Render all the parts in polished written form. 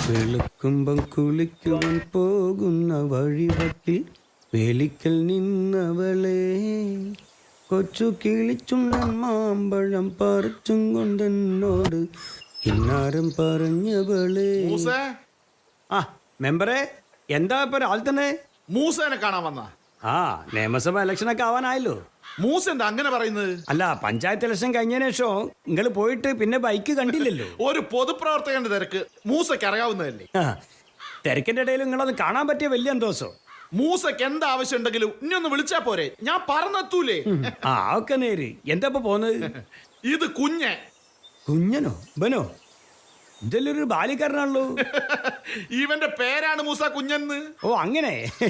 വെളുക്കുമ്പം കുളിക്കുവാൻ പോകുന്ന വഴിവക്കിൽ വേലിക്കൽ നിന്നവളെ കൊച്ചു കിളിച്ചുണ്ടൻ മാമ്പഴം പറിച്ചും കൊണ്ടെന്നോട് കിന്നാരം പറഞ്ഞവളെ. ആ മെമ്പറെ, എന്താ ഇപ്പൊ രാവിലെ തന്നെ മൂസേനെ കാണാൻ വന്ന? ആ നിയമസഭ ഇലക്ഷനൊക്കെ ആവാനായല്ലോ. മൂസ എന്താ അങ്ങനെ പറയുന്നത്? അല്ല, പഞ്ചായത്ത് ഇലക്ഷൻ കഴിഞ്ഞതിന് ശേഷം നിങ്ങൾ പോയിട്ട് പിന്നെ ബൈക്ക് കണ്ടില്ലല്ലോ. ഒരു പൊതുപ്രവർത്തകന്റെ തിരക്ക് മൂസയ്ക്ക് അറിയാവുന്നതല്ലേ. തിരക്കിന്റെ ഇടയിൽ നിങ്ങളൊന്ന് കാണാൻ പറ്റിയ വലിയ സന്തോഷം. മൂസയ്ക്ക് എന്താ ആവശ്യം ഉണ്ടെങ്കിലും ഇനി ഒന്ന് വിളിച്ചാ പോരെ, ഞാൻ പറഞ്ഞെത്തൂലേ. ആ ഒക്കെ നേര്. എന്താ ഇപ്പൊ പോന്നത്? ഇത് കുഞ്ഞ്. കുഞ്ഞനോ? ബനോ? ഇതെല്ലൊരു ബാലിക്കാരനാണല്ലോ. ഇവന്റെ പേരാണ് മൂസ കുഞ്ഞെന്ന്. ഓ അങ്ങനെ.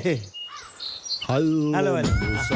Hello hello.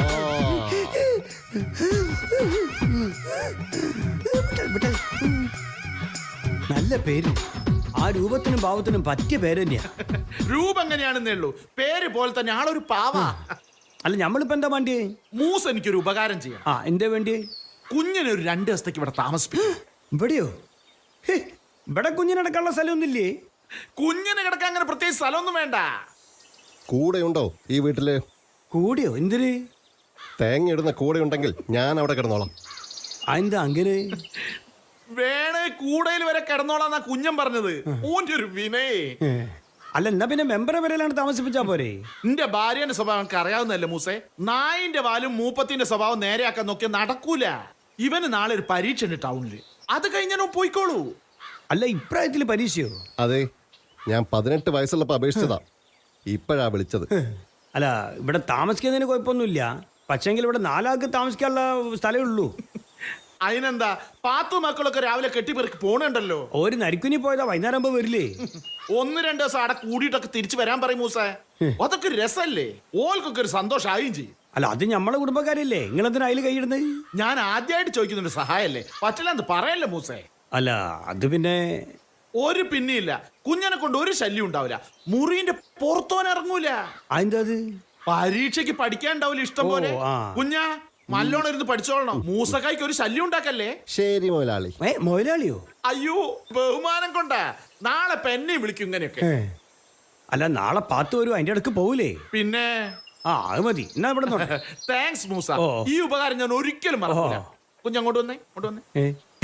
നല്ല പേര്. ആ രൂപത്തിനും ഭാവത്തിനും പറ്റിയ പേര് തന്നെയാ. രൂപം എങ്ങനെയാണെന്നേ ഉള്ളൂ, പേര് പോലെ തന്നെ ആളൊരു പാവ. അല്ല, നമ്മളിപ്പോ എന്താ വേണ്ടി? മൂസ എനിക്കൊരു ഉപകാരം ചെയ്യാം. ആ എന്താ വേണ്ടി? കുഞ്ഞിനെ ഒരു 2 ദിവസത്തേക്ക് ഇവിടെ താമസിപ്പിക്കും. ഇവിടെയോ? ഇവിടെ കുഞ്ഞിനടക്കാനുള്ള സ്ഥലമൊന്നുമില്ലേ? കുഞ്ഞിന് കിടക്കാൻ അങ്ങനെ പ്രത്യേകിച്ച് സ്ഥലമൊന്നും വേണ്ട. കൂടെയുണ്ടോ ഈ വീട്ടില്? കൂടിയോ? എന്തിന്? തേങ്ങ ഇടുന്ന കൂടെ ഉണ്ടെങ്കിൽ ഞാൻ അവിടെ കിടന്നോളാം. എന്താ അങ്ങനെ? വേണേ കൂടയിൽ വരെ കിടന്നോളാന്നാ കുഞ്ഞൻ പറഞ്ഞത്. ഓന്റെ ഒരു വിനയേ. അല്ല, എന്നാ പിന്നെ മെമ്പറെ വരെയാണ് താമസിപ്പിച്ചാ പോരെ? നിന്റെ ഭാര്യന്റെ സ്വഭാവം എനിക്ക് അറിയാവുന്നതല്ലേ മൂസേ. നായിന്റെ വാലും മൂപ്പത്തിന്റെ സ്വഭാവം നേരെയാക്കാൻ നോക്കിയാൽ നടക്കൂല. ഇവന് നാളെ ഒരു പരീക്ഷ ഉണ്ട് ടൗണില്, അത് കഴിഞ്ഞാൽ പോയിക്കോളൂ. അല്ല, ഇപ്രായത്തില് പരീക്ഷയോ? അതെ, ഞാൻ 18 വയസ്സുള്ളപ്പോ അപേക്ഷിച്ചതാ, ഇപ്പോഴാ വിളിച്ചത്. അല്ല, ഇവിടെ താമസിക്കുന്നതിന് കുഴപ്പമൊന്നുമില്ല. പക്ഷെങ്കിൽ ഇവിടെ 4 ആൾക്ക് താമസിക്കാനുള്ള സ്ഥലമേ ഉള്ളൂ. അതിനെന്താ, പാത്തു മക്കളൊക്കെ രാവിലെ കെട്ടിപ്പെറുക്കി പോണുണ്ടല്ലോ. ഒരു നരിക്കുനി പോയതാ, വൈകുന്നേരം ആകുമ്പോ വരില്ലേ? 1-2 ദിവസം അവിടെ കൂടിയിട്ടൊക്കെ തിരിച്ചു വരാൻ പറയും മൂസേ. അതൊക്കെ രസല്ലേ, ഓൾക്കൊക്കെ ഒരു സന്തോഷമായും ചെയ്യും. അല്ല, അത് നമ്മളെ കുടുംബക്കാരല്ലേ, നിങ്ങളെന്തിനാ അതിൽ കൈയിടുന്നത്? ഞാൻ ആദ്യമായിട്ട് ചോദിക്കുന്നുണ്ട് സഹായല്ലേ, പറ്റില്ലെന്ന് പറയല്ലേ മൂസേ. അല്ല, അത് പിന്നെ ഒരു പിന്നെയില്ല, കുഞ്ഞനെ കൊണ്ട് ഒരു ശല്യം ഉണ്ടാവില്ല. മുറിന്റെ പുറത്തോനിറങ്ങൂല. അതെന്താ? അത് പരീക്ഷയ്ക്ക് പഠിക്കാൻ ഉണ്ടാവില്ല ഇഷ്ടം പോലെ. കുഞ്ഞാ നല്ലോണം ഇരുന്ന് പഠിച്ചോളണം. മൂസക്കായ്ക്ക് ഒരു ശല്യം ഉണ്ടാക്കല്ലേ. ശരി മുതലാളി. മുതലാളിയോ? അയ്യോ, ബഹുമാനം കൊണ്ടാ. നാളെ പെന്നെ വിളിക്കും ഇങ്ങനെയൊക്കെ. അല്ല, നാളെ പാത്തു വരും, അതിന്റെ അടുക്ക് പോവില്ലേ? പിന്നെ ആ അത് മതി. എന്നാ ഇവിടെ താങ്ക്സ് മൂസ, ഈ ഉപകാരം ഞാൻ ഒരിക്കലും മറക്കില്ല. കുഞ്ഞങ്ങോട്ട് വന്നേ, ഇങ്ങോട്ട് വന്നേ.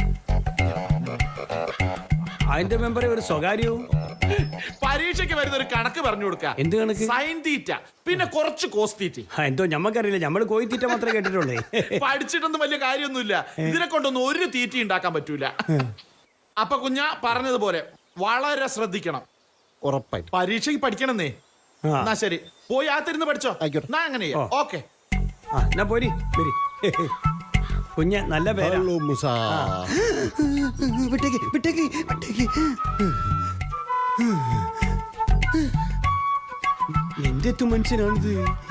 അതിന്റെ മെമ്പറെ ഒരു സ്വകാര്യവും. പരീക്ഷയ്ക്ക് വരുന്ന ഒരു കണക്ക് പറഞ്ഞു കൊടുക്ക. എന്ത് കണക്ക്? സൈൻ തീറ്റ, പിന്നെ കുറച്ച് കോസ് തീറ്റ. എന്തോ ഞമ്മക്കറിയില്ല, നമ്മള് കോഴി തീറ്റ മാത്രമേ കേട്ടിട്ടുള്ളേ. പഠിച്ചിട്ടൊന്നും വലിയ കാര്യമൊന്നുമില്ല. ഇതിനെ കൊണ്ടൊന്നും ഒരു തീറ്റ ഉണ്ടാക്കാൻ പറ്റൂല. അപ്പൊ കുഞ്ഞാ പറഞ്ഞതുപോലെ വളരെ ശ്രദ്ധിക്കണം. ഉറപ്പായിട്ട് പരീക്ഷയ്ക്ക് പഠിക്കണമെന്നേ. എന്നാ ശരി, പോയി ആത്തിരുന്ന് പഠിച്ചോ. ഞാൻ അങ്ങനെ ഓക്കെ. എന്നാ പോരി വരി. കുഞ്ഞ് നല്ല പേരാ. ഹലോ മൂസ. വിട്ടേക്ക് വിട്ടേക്ക് വിട്ടേക്ക്. എന്തെത്തും മനുഷ്യനാണിത്?